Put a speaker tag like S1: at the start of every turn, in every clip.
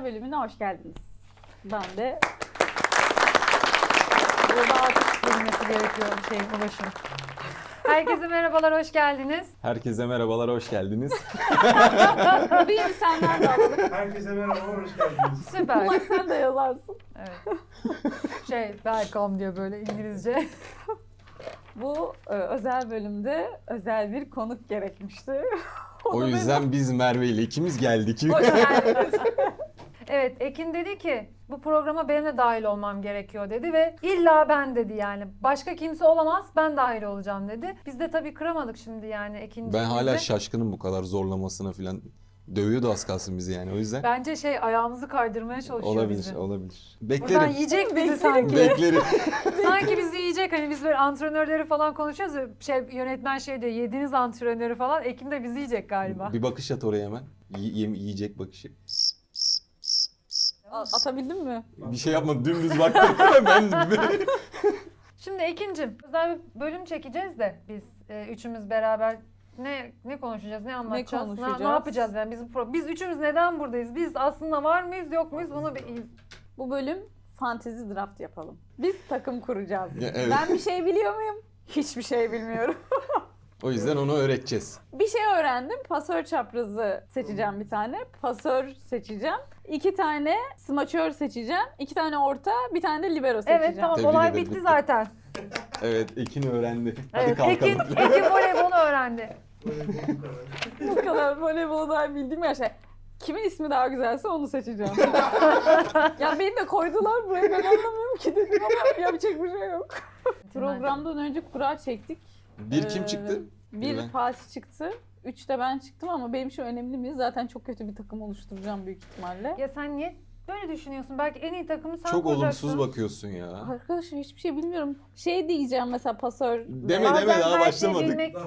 S1: özel bölümüne hoş geldiniz. Ben de burada alkış verilmesi gerekiyor Ulaşım. Herkese merhabalar, hoş geldiniz.
S2: Herkese merhabalar, hoş geldiniz.
S1: Bir senden de alalım.
S3: Herkese merhabalar, hoş geldiniz.
S1: Süper.
S4: Ulan sen de yazarsın.
S1: Evet. Welcome diyor böyle İngilizce.
S4: Bu özel bölümde özel bir konuk gerekmişti.
S2: O yüzden biz Merve ile ikimiz geldik.
S4: Hoş geldiniz.
S1: Evet, Ekin dedi ki bu programa benim de dahil olmam gerekiyor dedi ve illa ben dedi yani. Başka kimse olamaz, ben dahil olacağım dedi. Biz de tabii kıramadık şimdi yani Ekin'ciğimizi.
S2: Ben hala şaşkınım bu kadar zorlamasına falan. Dövüyordu az kalsın bizi yani o yüzden.
S1: Bence ayağımızı kaydırmaya çalışıyor
S2: Olabilir,
S1: bizi.
S2: olabilir.
S1: Buradan
S2: Beklerim.
S1: yiyecek bizi sanki.
S2: Beklerim.
S1: Sanki bizi yiyecek. Hani biz böyle antrenörleri falan konuşuyoruz ya, yönetmen diyor, yediğiniz antrenörü falan. Ekin de bizi yiyecek galiba.
S2: Bir bakış at oraya hemen. Yiyecek bakışı.
S4: Atabildin mi?
S2: Bir şey yapmadım, dümdüz baktım. Ben
S1: Şimdi Ekin'cim, özel bir bölüm çekeceğiz de biz üçümüz beraber ne konuşacağız, ne anlatacağız,
S4: konuşacağız?
S1: ne yapacağız yani biz üçümüz neden buradayız? Biz aslında var mıyız, yok muyuz? Bunu bir
S4: Bu bölüm fantezi draft yapalım. Biz takım kuracağız.
S2: Ya, evet.
S4: Ben bir şey biliyor muyum? Hiçbir şey bilmiyorum.
S2: O yüzden onu öğreteceğiz.
S4: Bir şey öğrendim. Pasör çaprazı seçeceğim bir tane. Pasör seçeceğim. 2 tane smaçör seçeceğim. 2 tane orta, bir tane de libero seçeceğim.
S1: Evet, tamam,
S2: Tebrik
S1: olay
S2: ederim,
S1: bitti
S2: bitti.
S1: zaten.
S2: Evet, Ekin öğrendi. Hadi
S1: Evet,
S2: kalkalım.
S1: Ekin voleybolu öğrendi.
S4: Bu kadar voleybolu dair bildiğim her şey. Kimin ismi daha güzelse onu seçeceğim. Ya beni de koydular buraya, ben anlamıyorum ki dedim ama yapacak bir şey yok. Programdan önce kura çektik.
S2: Bir kim çıktı?
S4: Bir
S2: Ben.
S4: Fatih çıktı. 3 de ben çıktım ama benim için önemli mi? Zaten çok kötü bir takım oluşturacağım büyük ihtimalle.
S1: Ya sen niye böyle düşünüyorsun? Belki en iyi takımı sen
S2: Çok
S1: kuracaksın.
S2: olumsuz bakıyorsun ya.
S4: Arkadaşlar hiçbir şey bilmiyorum. Şey diyeceğim mesela pasör.
S2: Deme
S1: Bazen
S2: deme, daha
S1: her şeyi
S2: başlamadık.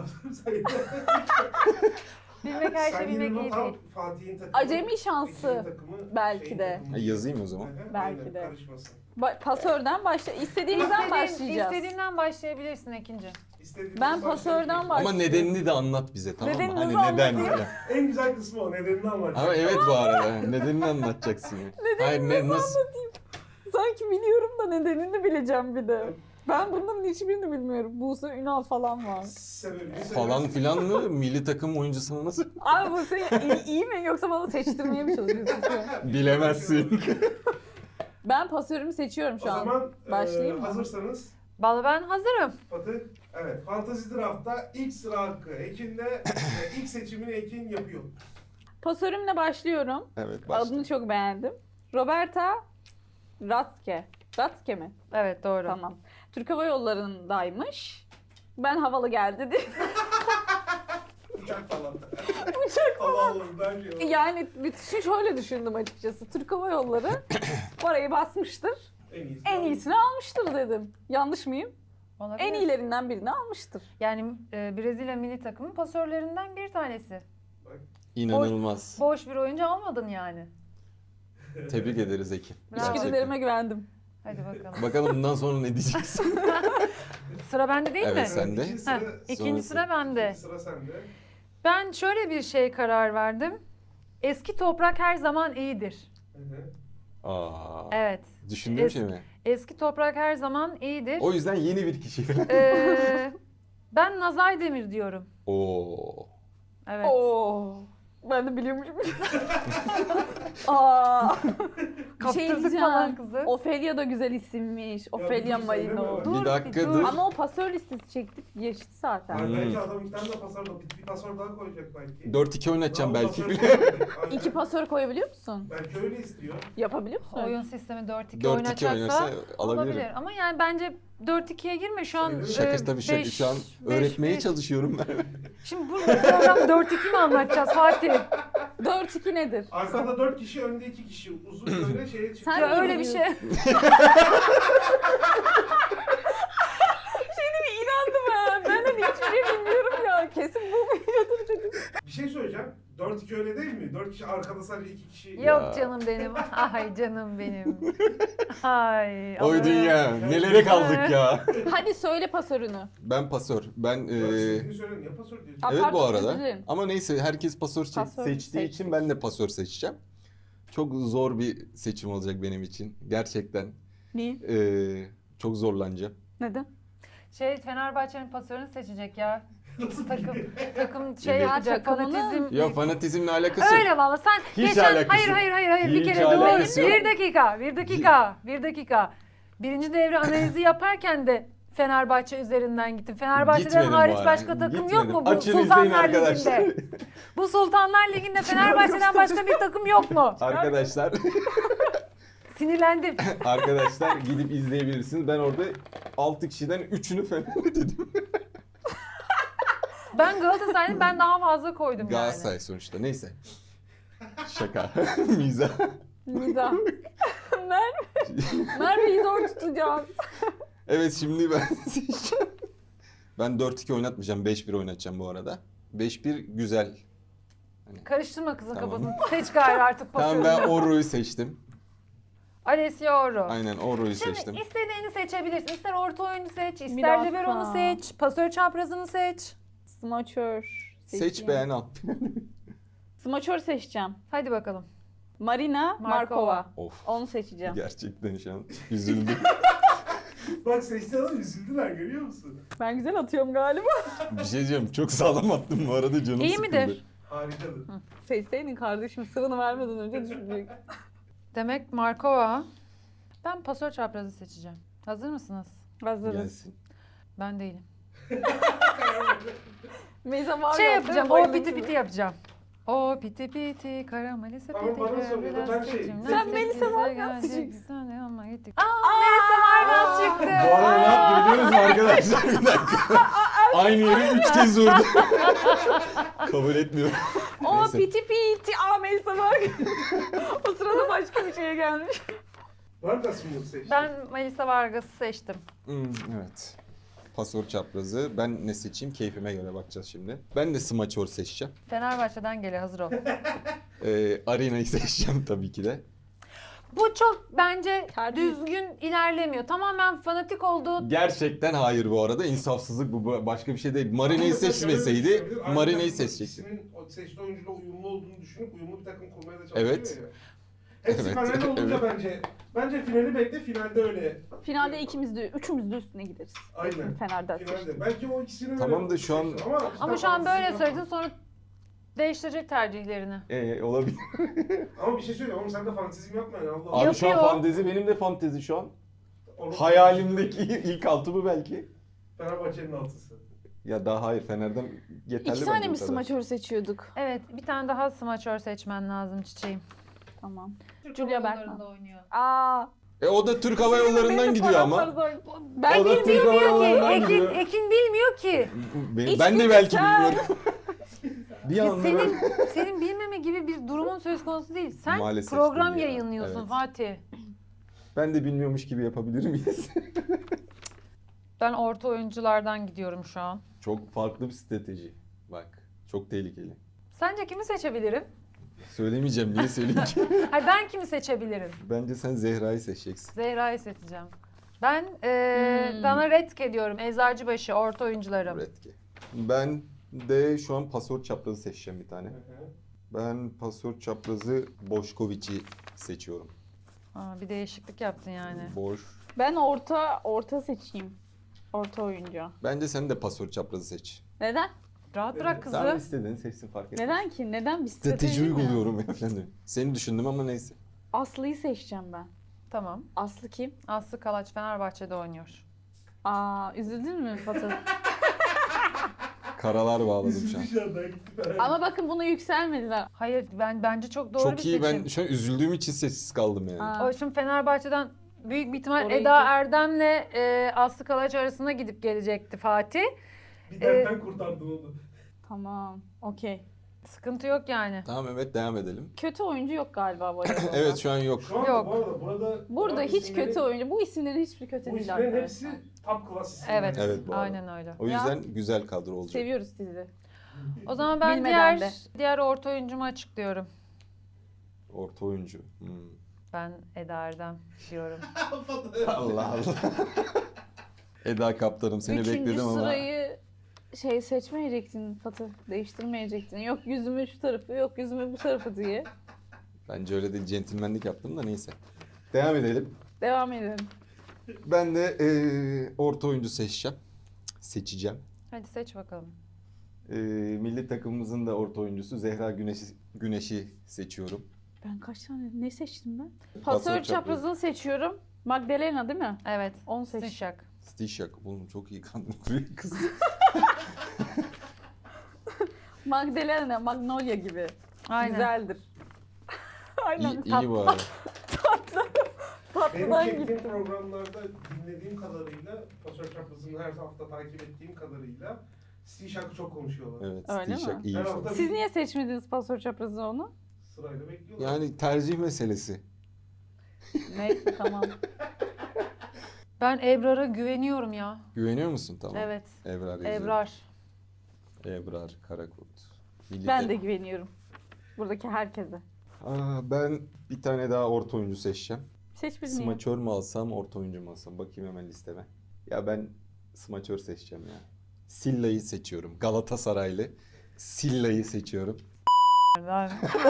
S1: Bilmek her şeyi bilmek iyi değil.
S3: Fatih'in takımı.
S4: Acemi şansı
S3: Ekin'in takımı,
S4: belki
S3: şeyin
S4: de.
S3: takımı.
S2: Ha, yazayım o zaman.
S3: Hı hı,
S4: Belki
S3: aynen,
S4: de.
S3: Karışmasın.
S4: Pasörden istediğimizden başlayacağız.
S1: İstediğinden başlayabilirsin Ekin'cim.
S3: İstediğiniz
S4: Ben pasörden
S3: başlayın.
S4: başlayayım.
S2: Ama nedenini de anlat bize, tamam mı?
S4: Nedenini
S2: Hani
S4: nasıl
S2: neden?
S4: anlatayım?
S2: ya?
S3: En güzel kısmı o, nedenini anlatacağım.
S2: Ama evet bu arada. Nedenini anlatacaksın. Hayır, nasıl?
S4: Sanki biliyorum da nedenini bileceğim bir de. Ben bunların hiçbirini bilmiyorum. Buse Ünal falan var.
S3: Sebebi
S2: Falan filan mı? Milli takım oyuncusuna nasıl?
S4: Abi Buse iyi mi yoksa bana seçtirmeye mi çalışıyorsun şu an?
S2: Bilemezsin.
S4: Ben pasörümü seçiyorum şu
S3: O
S4: an.
S3: zaman
S4: Başlayayım mı?
S3: hazırsanız
S1: Vallahi ben hazırım.
S3: Fatih, evet, Fantasy Draft'ta ilk sıra hakkı Ekin'de. İlk seçimini Ekin yapıyor.
S4: Pasörümle başlıyorum.
S2: Evet, başla.
S4: Adını çok beğendim. Roberta Ratske. Ratske mi?
S1: Evet, doğru.
S4: Tamam. Türk Hava Yolları'ndaymış. Ben havalı geldi diye.
S3: Uçak falan.
S4: Uçak
S3: Havalı bence.
S4: Yani şöyle düşündüm açıkçası. Türk Hava Yolları parayı basmıştır. En iyisini almıştır dedim. Yanlış mıyım?
S1: Olabilir.
S4: En iyilerinden birini almıştır.
S1: Yani Brezilya milli takımın pasörlerinden bir tanesi.
S2: İnanılmaz.
S1: Boş bir oyuncu almadın yani.
S2: Tebrik ederiz Ekin.
S1: Bravo.
S4: İçgüdülerime güvendim.
S1: Hadi bakalım.
S2: Bakalım bundan sonra ne diyeceksin?
S1: Sıra bende değil
S2: Evet,
S1: mi?
S2: sen de.
S1: İkinci
S2: Sonrası.
S1: sıra bende.
S3: İkinci sıra sende.
S1: Ben şöyle bir karar verdim. Eski toprak her zaman iyidir.
S3: Hı hı.
S2: Aa,
S1: Evet.
S2: düşündüğüm şey mi?
S1: Eski toprak her zaman iyidir.
S2: O yüzden yeni bir kişi.
S1: Ben Nazay Demir diyorum.
S2: Oo.
S1: Evet.
S4: Oo. Ben de biliyormuşum. Aa. Bir şey
S1: Kaptırdık falan
S4: diyeceğim.
S1: kızı.
S4: Ofelia da güzel isimmiş. Ofelia
S3: dur,
S4: Marino.
S3: söyleme.
S1: Dur,
S2: Bir dakika
S1: dur.
S2: dur.
S4: Ama o pasör listesi çektik geçti zaten.
S3: Hayır, belki adam iki tane de bir pasör daha koyacak belki.
S2: 4-2 oynatacağım
S3: Bravo,
S2: belki.
S3: pasör koyacak. Aynen.
S4: 2 pasör koyabiliyor musun?
S3: Belki öyle istiyor.
S4: Yapabiliyor musun?
S1: Oyun sistemi 4-2
S2: 4-2
S1: oynatacaksa
S2: oynarsa
S1: olabilir.
S2: alabilirim.
S1: Ama yani bence 4-2'ye girme şu an.
S2: Şaka tabii şaka. Şu an öğretmeye çalışıyorum ben.
S1: Şimdi bu program 4-2 mi anlatacağız Fatih?
S4: 4-2 nedir?
S3: Arkada 4 kişi, önde 2 kişi. Uzun böyle şeye çıkıyor.
S4: Sen
S1: Ya
S4: iyi
S1: öyle bir şey.
S4: İnandım ha. Ben de hiçbir şey bilmiyorum ya. Kesin bu biliyordur dedim.
S3: Bir şey söyleyeceğim. 4-2 öyle değil mi? 4 kişi arkada sadece 2 kişi.
S1: Yok canım benim. Ay canım benim. Ay.
S2: Oy
S1: Allah'ım.
S2: dünya. Nelere kaldık ya.
S4: Hadi söyle pasörünü.
S2: Ben pasör. Ben
S3: Yok, istediğini söyle. Niye pasör diyorsun?
S4: Aa,
S2: evet bu
S4: pardon,
S2: arada.
S4: özür dilerim.
S2: Ama neyse herkes pasör
S4: Pasör
S2: seçtiği
S4: seçtik.
S2: için ben de pasör seçeceğim. Çok zor bir seçim olacak benim için. Gerçekten.
S4: Niye?
S2: Çok zorlanacağım.
S4: Neden?
S1: Fenerbahçe'nin pasörünü seçecek ya.
S3: Nasıl
S1: Takım
S2: Evet.
S1: yapacak,
S4: Takımını-
S1: fanatizm.
S2: Ya fanatizmle alakası yok.
S1: Öyle valla sen
S2: Hiç
S1: geçen
S2: alakası yok.
S1: hayır bir
S2: Hiç
S1: kere dur.
S2: alakası yok.
S1: Bir dakika. Birinci devre analizi yaparken de Fenerbahçe üzerinden gittim. Fenerbahçe'den
S2: Gitmedim bu
S1: hariç
S2: arada.
S1: başka takım yok
S2: Gitmedim.
S1: mu bu
S2: Açın izleyin
S1: Sultanlar
S2: arkadaşlar.
S1: Ligi'nde? Bu Sultanlar Ligi'nde Fenerbahçe'den başka bir takım yok mu?
S2: Arkadaşlar,
S1: Sinirlendim.
S2: arkadaşlar gidip izleyebilirsiniz. Ben orada 6 kişiden 3'ünü Fener dedim.
S1: Ben Galatasaray'ın ben daha fazla koydum
S2: Galatasaray sonuçta. Neyse. Şaka. Mizah.
S4: Mizah. Merve'yi zor tutacağız.
S2: Evet, şimdi ben seçeceğim. Ben 4-2 oynatmayacağım. 5-1 oynatacağım bu arada. 5-1 güzel.
S1: yani. Karıştırma kızın
S2: Tamam.
S1: kafasını. Seç gayrı artık
S2: Tamam,
S1: pasörünü.
S2: ben Orro'yu seçtim.
S1: Alessio Orro.
S2: Aynen, Orro'yu
S1: Şimdi
S2: seçtim.
S1: istediğini seçebilirsin. İster orta oyunu seç,
S4: Bir
S1: ister
S4: dakika.
S1: libero'nu seç, pasör çaprazını seç.
S4: Smaçör.
S2: Seç, beğen, al.
S4: Smaçör seçeceğim.
S1: Hadi bakalım.
S4: Marina Markova.
S2: Of.
S4: Onu seçeceğim.
S2: Gerçekten şu an üzüldüm.
S3: Bak seçti adam üzüldüler görüyor musun?
S4: Ben güzel atıyorum galiba.
S2: Bir şey diyeceğim. Çok sağlam attım bu arada, canım
S1: İyi
S2: sıkıldı.
S1: midir?
S3: Harikadır.
S4: Seçseydin kardeşim sırrını vermeden önce düşünecek.
S1: Demek Markova. Ben pasör çaprazı seçeceğim. Hazır mısınız?
S4: Hazırız.
S2: Gelsin.
S1: Ben değilim.
S4: Meyza var
S1: Şey
S4: ya,
S1: yapacağım, o
S4: bayıldım
S1: piti
S4: şimdi.
S1: piti yapacağım. O piti piti karameli sepeti.
S3: Ama bana soruyor, ben
S4: Sen Melisa Vargas diyeceksin.
S1: Ama gittik. Melisa Vargas çıktı.
S2: Bu arada ne yaptı biliyor musun arkadaşlar? Bir dakika. Aynı yeri 3 kez vurdu. Kabul etmiyorum.
S4: O
S2: Neyse.
S4: piti piti. Aa Melisa var. O sırada başka bir şeye gelmiş.
S3: Vargas mı seçti?
S1: Ben Melisa Vargas'ı seçtim.
S2: Evet. Pasör çaprazı. Ben ne seçeyim? Keyfime göre bakacağız şimdi. Ben de smaçör seçeceğim.
S1: Fenerbahçe'den geliyor, hazır ol.
S2: Arena'yı seçeceğim tabii ki de.
S1: Bu çok bence
S4: Tercih.
S1: düzgün ilerlemiyor. Tamamen fanatik olduğu.
S2: Gerçekten hayır bu arada. İnsafsızlık bu. Başka bir şey değil. Marina'yı seçmeseydi Marina'yı seçecektim.
S3: İkisinin o seçtiği oyuncuyla uyumlu olduğunu düşünüp uyumlu bir takım kurmaya da çalışıyor
S2: Evet.
S3: ya. Hepsi
S2: Evet,
S3: Fener'de olunca
S2: evet.
S3: bence finali bekle, finalde öyle.
S4: Finalde üçümüz de üstüne gideriz.
S3: Aynen.
S4: Fener'den seçtim.
S3: Finalde. Belki o ikisini
S2: Tamam
S3: öyle
S2: da şu an-
S3: seçti.
S1: Ama şu an böyle söyledin, sonra değiştirecek tercihlerini.
S2: Olabilir.
S3: Ama bir şey söyleyeyim, oğlum sen de fantezim yapma ya Allah
S2: Abi şu an
S1: Yapıyor.
S2: fantezi, benim de fantezi şu an.
S3: Onu-
S2: Hayalimdeki ilk altı bu belki.
S3: Fenerbahçe'nin altısı.
S2: Ya daha hayır, Fener'den yeterli
S4: İki tane
S2: bence
S4: mi
S2: bu kadar.
S4: smaçör seçiyorduk?
S1: Evet, bir tane daha smaçör seçmen lazım çiçeğim.
S4: Tamam.
S1: Türk
S4: Julia
S1: Hava
S4: Bergman.
S1: Yolları'nda oynuyor.
S4: Aa.
S2: O da Türk Hava Yolları'ndan
S4: Benim de
S2: gidiyor ama.
S4: param var. Ben
S2: O da Türk Hava Yolları'ndan
S1: Ekin,
S2: gidiyor.
S1: Ekin bilmiyor ki.
S2: Ben de belki
S4: İçgüdüsel.
S2: bilmiyorum. Bir anda ben...
S1: Senin bilmeme gibi bir durumun söz konusu değil. Sen
S2: Maalesef
S1: program
S2: değil ya.
S1: yayınlıyorsun
S2: Evet.
S1: Fatih.
S2: Ben de bilmiyormuş gibi yapabilir miyiz?
S1: Ben orta oyunculardan gidiyorum şu an.
S2: Çok farklı bir strateji. Bak, çok tehlikeli.
S1: Sence kimi seçebilirim?
S2: Söylemeyeceğim, niye söyleyeyim ki?
S1: Hayır, ben kimi seçebilirim?
S2: Bence sen Zehra'yı seçeceksin.
S1: Zehra'yı seçeceğim. Ben
S4: Hmm.
S1: Dana Redke diyorum. Eczacıbaşı orta oyuncularım.
S2: Redke. Ben de şu an pasör çaprazı seçeceğim bir tane.
S3: Hı hı.
S2: Ben pasör çaprazı Boşkoviç'i seçiyorum.
S1: Aa, bir değişiklik yaptın yani.
S2: Boş.
S4: Ben orta seçeyim. Orta oyuncu.
S2: Bence sen de pasör çaprazı seç.
S4: Neden?
S1: Rahat bırak kızı.
S2: Sen istediğini seçsin, fark etmez.
S4: Neden ki? Neden bir
S2: Strateji
S4: mi?
S2: uyguluyorum ya falan diyor. Seni düşündüm ama neyse.
S4: Aslı'yı seçeceğim ben.
S1: Tamam.
S4: Aslı kim?
S1: Aslı Kalaç Fenerbahçe'de oynuyor.
S4: Aa, üzüldün mü Fatih?
S2: Karalar bağladım şu an.
S3: Üzüldü şu anda gitti Fenerbahçe.
S4: Ama bakın buna yükselmediler.
S1: Hayır, bence çok doğru bir
S2: Çok iyi,
S1: seçim.
S2: ben şu an üzüldüğüm için sessiz kaldım yani.
S4: Aa.
S1: O şimdi Fenerbahçe'den büyük bir ihtimal
S4: Orayı
S1: Eda
S4: ki-
S1: Erdem'le Aslı Kalaç arasında gidip gelecekti Fatih.
S3: Bir dertten kurtardın onu.
S4: Tamam. Okey.
S1: Sıkıntı yok yani.
S2: Tamam, evet, devam edelim.
S4: Kötü oyuncu yok galiba bu arada.
S2: Evet, şu an yok.
S3: Şu anda
S1: Yok.
S3: bu arada burada...
S4: Burada hiç
S3: isimlerin-
S4: kötü oyuncu. Bu isimlerin hiçbiri kötü
S3: Bu
S4: değil
S3: isimlerin
S4: arkadaşlar.
S3: hepsi top class isimler.
S1: Evet,
S2: Evet, bu arada.
S1: aynen öyle.
S2: O yüzden güzel kadro olacak.
S4: Seviyoruz sizi.
S1: O zaman ben
S4: Bilmeden de.
S1: diğer orta oyuncumu açıklıyorum.
S2: Orta oyuncu.
S1: Ben Eda Erdem diyorum.
S2: Allah Allah. Eda kaptanım, seni
S4: Üçüncü
S2: bekledim ama.
S4: sırayı seçmeyecektin Fatih. Değiştirmeyecektin. Yok yüzümü şu tarafı, yok yüzümü bu tarafı diye.
S2: Bence öyle değil. Centilmenlik yaptım da neyse. Devam edelim.
S4: Devam edelim.
S2: Ben de orta oyuncu seçeceğim.
S1: Hadi seç bakalım.
S2: Milli takımımızın da orta oyuncusu Zehra Güneş'i seçiyorum.
S4: Ben kaç tane ne seçtim ben?
S2: Pasör
S4: Pasör çaprazını seçiyorum. Magdalena değil mi?
S1: Evet.
S4: Onu seç.
S1: Stişak.
S2: Stişak. Oğlum çok iyi kandırıyor kız.
S4: Magdalena, Magnolia gibi.
S1: Aynen.
S4: Güzeldir. Aynen.
S2: iyi bu arada.
S3: Benim
S4: Tatlıdan
S3: çektiğim
S4: gittim.
S3: programlarda dinlediğim kadarıyla, Pasör Çaprazı'nı her hafta takip ettiğim kadarıyla Stişak'ı çok konuşuyorlar.
S2: Evet,
S4: Öyle
S2: Stişak
S4: mi?
S2: iyi.
S3: Her hafta
S4: Siz niye seçmediniz pasör çaprazını onu?
S3: sırayla bekliyorlar.
S2: Yani tercih meselesi.
S4: Neyse tamam.
S1: Ben Ebrar'a güveniyorum ya.
S2: Güveniyor musun? Tamam.
S1: Evet.
S2: Ebrar yazıyorum.
S1: Ebrar.
S2: Ebrar Karakurt. Milli
S4: Ben
S2: takım.
S4: de güveniyorum. Buradaki herkese.
S2: Ben bir tane daha orta oyuncu seçeceğim.
S4: Seç birini.
S2: Smaçör mü alsam, orta oyuncu mu alsam? Bakayım hemen listeme. Ya ben smaçör seçeceğim ya. Silla'yı seçiyorum. Galatasaraylı Silla'yı seçiyorum.
S1: Ben...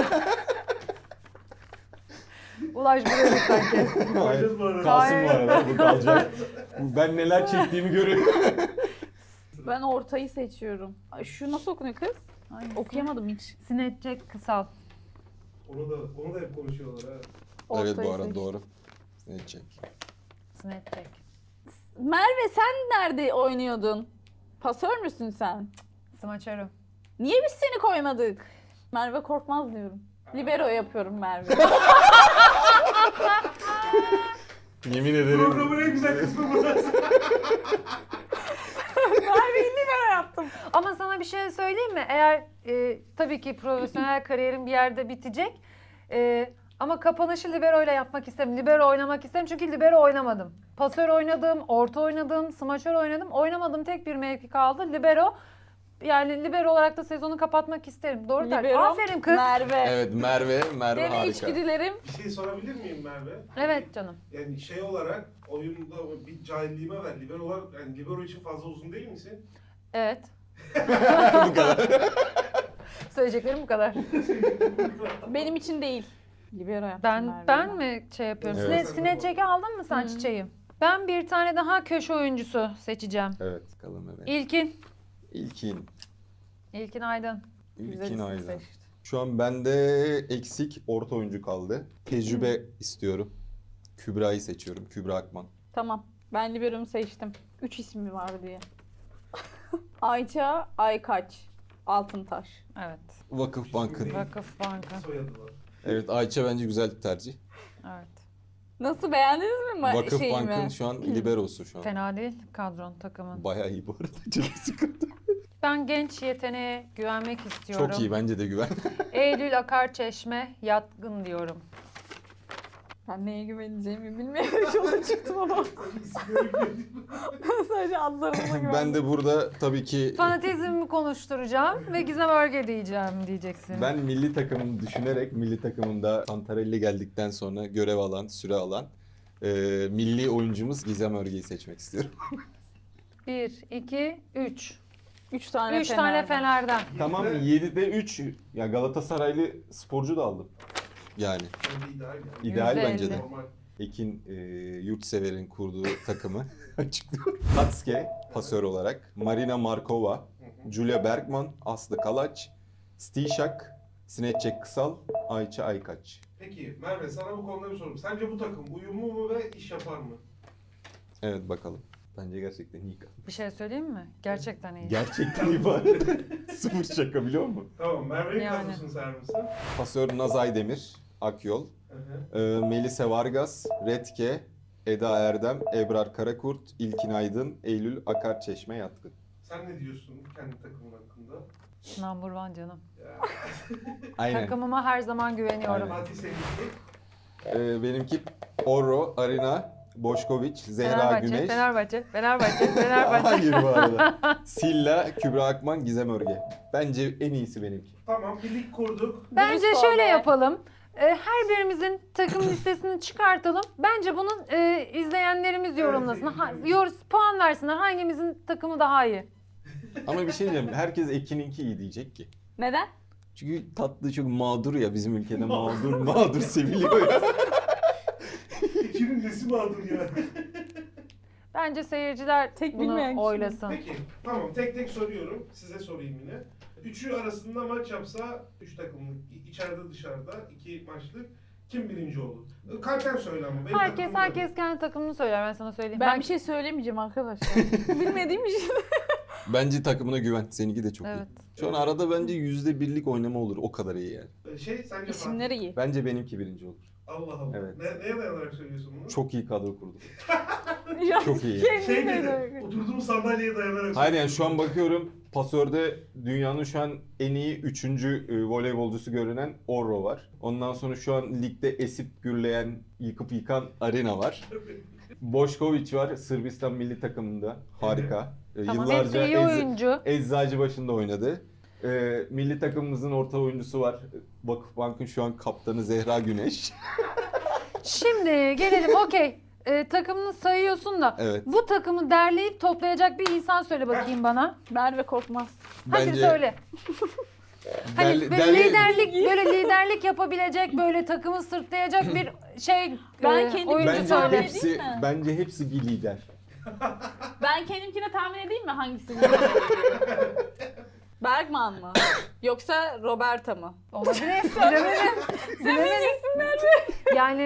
S1: Ulaş buraya lütfen kes.
S3: Koyacağız bu arada.
S2: Kalsın bu arada. Bu kalacak. Ben neler çektiğimi görüyorum.
S4: Ben ortayı seçiyorum. Ay, şu nasıl okunuyor kız?
S1: Hangisi?
S4: Okuyamadım hiç.
S1: Sinetcek kısal.
S3: Onu da hep konuşuyorlar ha.
S2: Evet
S4: Ortayı
S2: bu arada
S4: seç.
S2: doğru. Ne çek?
S1: Sinetcek.
S4: Merve sen nerede oynuyordun? Pasör müsün sen?
S1: Smaçörüm.
S4: Niye biz seni koymadık? Merve Korkmaz diyorum. Libero yapıyorum Merve.
S2: Yemin ederim.
S3: Programın en güzel kısmı burası.
S4: Merve'yi libero yaptım.
S1: Ama sana bir şey söyleyeyim mi? Eğer tabii ki profesyonel kariyerim bir yerde bitecek. Ama kapanışı libero ile yapmak isterim. Libero oynamak isterim çünkü libero oynamadım. Pasör oynadım, orta oynadım, smaçör oynadım. Oynamadığım tek bir mevki kaldı. Libero. Yani libero olarak da sezonu kapatmak isterim. Doğru der.
S4: Libero,
S1: Aferin kız.
S4: Merve.
S2: Evet Merve
S4: Gene
S2: harika.
S4: içgüdülerim.
S3: Bir şey sorabilir miyim Merve?
S1: Evet canım.
S3: Yani şey olarak oyunda bir cahilliğime ver. Libero olarak, yani libero için fazla uzun değil misin?
S1: Evet.
S2: Bu kadar.
S1: Söyleyeceklerim bu kadar.
S4: Benim için değil. Libero yaptım
S1: Ben
S4: Merve'yi.
S1: mi şey yapıyorum?
S2: Evet.
S1: Sinetcek'i aldın mı sen
S4: Hı.
S1: çiçeğim? Ben bir tane daha köşe oyuncusu seçeceğim.
S2: Evet kalın evet.
S1: İlkin.
S2: İlkin
S1: Aydın.
S4: Güzel
S2: İlkin
S4: isim
S2: Aydan.
S4: seçti.
S2: Şu an bende eksik orta oyuncu kaldı. Tecrübe istiyorum. Kübra'yı seçiyorum. Kübra Akman.
S4: Tamam. Ben liberomu seçtim. 3 ismi var diye. Ayça Aykaç. Altıntaş.
S1: Evet.
S2: Vakıfbank'ın.
S1: Vakıf Banka.
S3: Soyadı var.
S2: Evet Ayça bence güzel bir tercih.
S1: Evet.
S4: Nasıl beğendiniz mi
S2: Vakıfbank'ın
S4: şeyimi?
S2: şu an liberosu şu an.
S1: Fena değil kadron takımın.
S2: Bayağı iyi bu arada. Canım sıkıldı.
S1: Ben genç yeteneğe güvenmek istiyorum.
S2: Çok iyi bence de güven.
S1: Eylül Akarçeşme yatkın diyorum.
S4: Ben neye güveneceğimi bilmiyorum. Yola çıktım ama
S3: İsimleri bilmiyorum.
S4: sadece adlarımıza güvendim.
S2: Ben de burada tabii ki
S1: Fanatizmimi konuşturacağım ve Gizem Örge diyeceksin.
S2: ben milli takımımı düşünerek milli takımımda Santarelli geldikten sonra görev alan, süre alan milli oyuncumuz Gizem Örge'yi seçmek istiyorum.
S1: 1, 2, 3.
S4: 3 tane
S1: 3 tane Fener'den.
S2: Tamam 7'de 3 ya Galatasaraylı sporcu da aldım. Yani
S3: Bence ideal yani.
S2: ideal
S1: %50.
S2: bence de.
S3: Normal.
S2: Ekin Yurtsever'in kurduğu takımı açıklıyor. Tatske pasör olarak, Marina Markova, Julia Bergman, Aslı Kalaç, Stişak, Sinetcek Kısal, Ayça Aykaç.
S3: Peki Merve sana bu konuda bir sorum. Sence bu takım uyumlu mu ve iş yapar mı?
S2: Evet bakalım. Bence gerçekten iyi.
S1: Bir şey söyleyeyim mi? Gerçekten iyi.
S2: Gerçekten iyi bari. Sıfır şaka biliyor musun?
S3: Tamam Merve'nin
S1: Yani.
S3: kadrosunu sayar mısın?
S2: Pasör Nazay Demir, Akyol,
S3: Hı hı.
S2: Melise Vargas, Retke, Eda Erdem, Ebrar Karakurt, İlkin Aydın, Eylül Akarçeşme yatkın.
S3: Sen ne diyorsun kendi takımın hakkında?
S1: Number one canım.
S3: Ya.
S2: Aynen.
S1: Takımıma her zaman güveniyorum.
S2: Aynen.
S3: Fatih seninki.
S2: Benimki Oro, Arina, Boşkoviç, Zehra
S1: Fenerbahçe,
S2: Güneş.
S1: Fenerbahçe.
S2: Hayır bu arada. Silla, Kübra Akman, Gizem Örge. Bence en iyisi benimki.
S3: Tamam bir lig kurduk.
S1: Bence
S4: Dürüst ol
S1: şöyle
S4: be.
S1: yapalım. Her birimizin takım listesini çıkartalım. Bence bunun izleyenlerimiz yorumlasın. Puan versinler. Hangimizin takımı daha iyi?
S2: Ama bir şey diyeceğim. Herkes Ekin'inki iyi diyecek ki.
S4: Neden?
S2: Çünkü tatlı çok mağdur ya, bizim ülkede mağdur seviliyor ya.
S3: Kimin nesi mağdur ya?
S1: Bence seyirciler
S4: Tek
S1: bunu
S4: bilmeyen kişi.
S1: oylasın.
S3: Peki tamam, tek tek soruyorum. Size sorayım yine. Üçü arasında maç yapsa 3 takımlık, içeride dışarıda 2 maçlık kim birinci olur? Kalpten söyle ama. Benim takımım da
S1: Herkes kendi takımını söyler, ben sana söyleyeyim.
S4: Ben bir şey söylemeyeceğim arkadaşlar. Bilmediğim bir şey.
S2: Bence takımına güven. Seninki de çok
S1: Evet.
S2: iyi. Şu an arada bence %1'lik oynama olur. O kadar iyi yani.
S3: Sence
S4: İsimleri iyi.
S2: Bence benimki birinci olur.
S3: Allah Allah.
S2: Evet.
S3: Neye dayanarak söylüyorsun bunu?
S2: Çok iyi kadro kurdum.
S4: Ya,
S2: Çok iyi.
S3: Şey
S4: kendine
S3: dedi,
S4: de-
S3: oturduğum sandalyeye dayanarak
S2: Hayır yani şu an bakıyorum, pasörde dünyanın şu an en iyi 3. voleybolcusu görünen Orro var. Ondan sonra şu an ligde esip gürleyen, yıkıp yıkan Arena var. Bošković var Sırbistan milli takımında. Harika.
S1: Tamam, hepsi iyi oyuncu.
S2: Eczacıbaşı'nda oynadı. Milli takımımızın orta oyuncusu var. Vakıfbank'ın şu an kaptanı Zehra Güneş.
S1: Şimdi gelelim, okey. Takımını sayıyorsun da
S2: Evet.
S1: bu takımı derleyip toplayacak bir insan söyle bakayım bana.
S4: Merve Korkmaz.
S1: Hadi söyle. Hani
S2: derli-
S1: böyle
S2: derli-
S1: liderlik yapabilecek, böyle takımı sırtlayacak bir şey
S4: Ben kendi
S1: oyuncu
S2: Bence
S4: tahmin
S1: söyle.
S2: hepsi,
S4: edeyim mi?
S2: bence hepsi bir lider.
S4: Ben kendimkine tahmin edeyim mi hangisini? Bergman mı? Yoksa Roberta mı?
S1: Olabilir. Bilemedim. Yani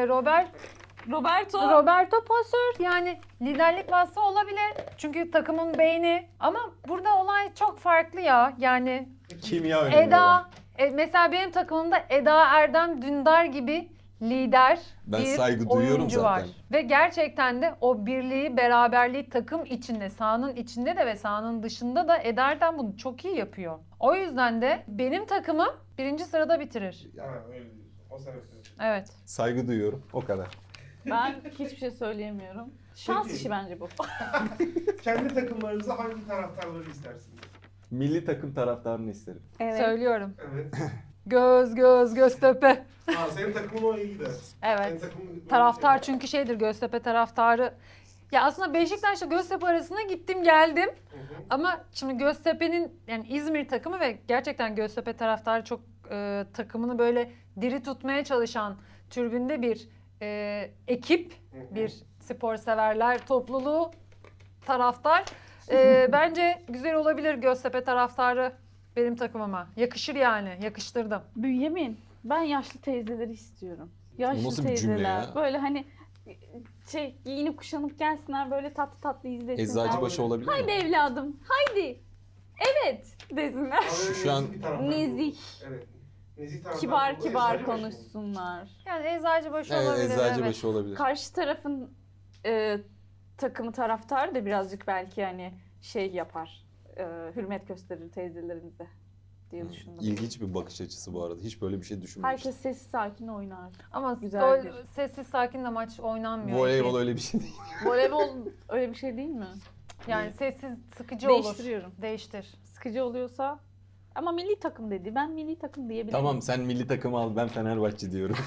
S1: Roberto pasör, yani liderlik vasfı olabilir. Çünkü takımın beyni. Ama burada olay çok farklı ya. Yani
S2: Kimya önemli olan.
S1: mesela benim takımımda Eda Erdem Dündar gibi lider
S2: Ben
S1: bir
S2: saygı duyuyorum
S1: oyuncu
S2: zaten.
S1: var. Ve gerçekten de o birliği, beraberliği takım içinde, sahanın içinde de ve sahanın dışında da Eda Erdem bunu çok iyi yapıyor. O yüzden de benim takımım 1. sırada bitirir.
S3: Ha, öyle diyorsun. O sebeple.
S1: Evet.
S2: Saygı duyuyorum. O kadar.
S4: Ben hiçbir şey söyleyemiyorum. Şans
S3: Peki.
S4: işi bence bu.
S3: Kendi takımlarınızda hangi taraftarları istersiniz?
S2: Milli takım taraftarını isterim.
S1: Söylüyorum.
S3: Evet.
S1: Göztepe.
S3: Ha, senin takımın o iyi gider.
S1: Evet.
S3: Senin takımın
S1: Taraftar çünkü şeydir, Göztepe taraftarı. Ya aslında Beşiktaş'la Göztepe arasında gittim geldim.
S3: Hı hı.
S1: Ama şimdi Göztepe'nin, yani İzmir takımı ve gerçekten Göztepe taraftarı çok takımını böyle diri tutmaya çalışan türbünde bir ekip,
S3: Hı hı.
S1: bir spor severler topluluğu, taraftar. Bence güzel olabilir Göztepe taraftarı benim takımıma. Yakışır yani, yakıştırdım.
S4: Bünyamin, ben yaşlı teyzeleri istiyorum. Yaşlı
S2: nasıl bir
S4: teyzeler.
S2: cümle ya?
S4: Böyle hani giyinip kuşanıp gelsinler, böyle tatlı tatlı izlesinler.
S2: Eczacıbaşı olabilir
S4: Haydi
S2: mi?
S4: evladım, haydi. Evet desinler.
S3: Ama öyle
S2: Şu an-
S3: nezih bir taraftar
S4: Nezih.
S3: bu. Evet. Nezih taraftar
S4: Kibar
S3: bu.
S4: kibar
S3: Eczacıbaşı mı?
S4: konuşsunlar.
S1: Yani Eczacıbaşı
S2: Evet,
S1: olabilir.
S2: Eczacıbaşı olabilir.
S4: Karşı tarafın takımı taraftarı da birazcık belki hani şey yapar. Hürmet gösterir teyzelerimize diye düşündüm.
S2: İlginç bir bakış açısı bu arada. Hiç böyle bir şey düşünmemiştim.
S4: Herkes sessiz sakin oynar.
S1: Ama
S4: Güzeldir.
S1: sessiz sakin de maç oynanmıyor.
S2: Voleybol öyle bir şey değil.
S4: Voleybol öyle bir şey değil mi?
S1: Yani sessiz, sıkıcı olur.
S4: Değiştiriyorum.
S1: Değiştir.
S4: Sıkıcı oluyorsa ama milli takım dedi. Ben milli takım diyebilirim.
S2: Tamam, sen milli takımı al, ben Fenerbahçe diyorum.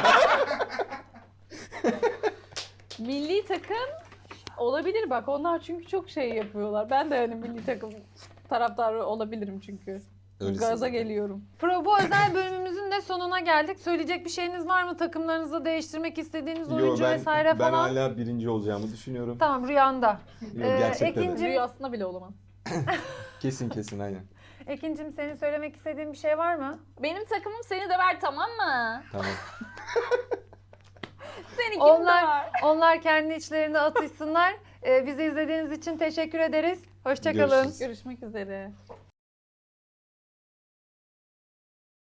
S4: Milli takım olabilir bak. Onlar çünkü çok şey yapıyorlar. Ben de hani milli takım taraftarı olabilirim çünkü.
S2: Öylesin
S4: Gaza
S2: zaten.
S4: geliyorum.
S1: Bu özel bölümümüzün de sonuna geldik. Söyleyecek bir şeyiniz var mı? Takımlarınızı değiştirmek istediğiniz
S2: Yo,
S1: oyuncu vesaire
S2: ben
S1: falan.
S2: hala birinci olacağımı düşünüyorum.
S1: Tamam, rüyanda.
S2: Yo, gerçekten de.
S1: ikinci-
S4: Rüyasında bile olamaz.
S2: Kesin aynen.
S1: Ekincim, senin söylemek istediğin bir şey var mı?
S4: Benim takımım seni döver tamam mı?
S2: Tamam.
S4: Seni kim
S1: Onlar-
S4: döver?
S1: Onlar kendi içlerinde atışsınlar. Bizi izlediğiniz için teşekkür ederiz. Hoşça kalın.
S2: Görüşürüz.
S4: Görüşmek üzere.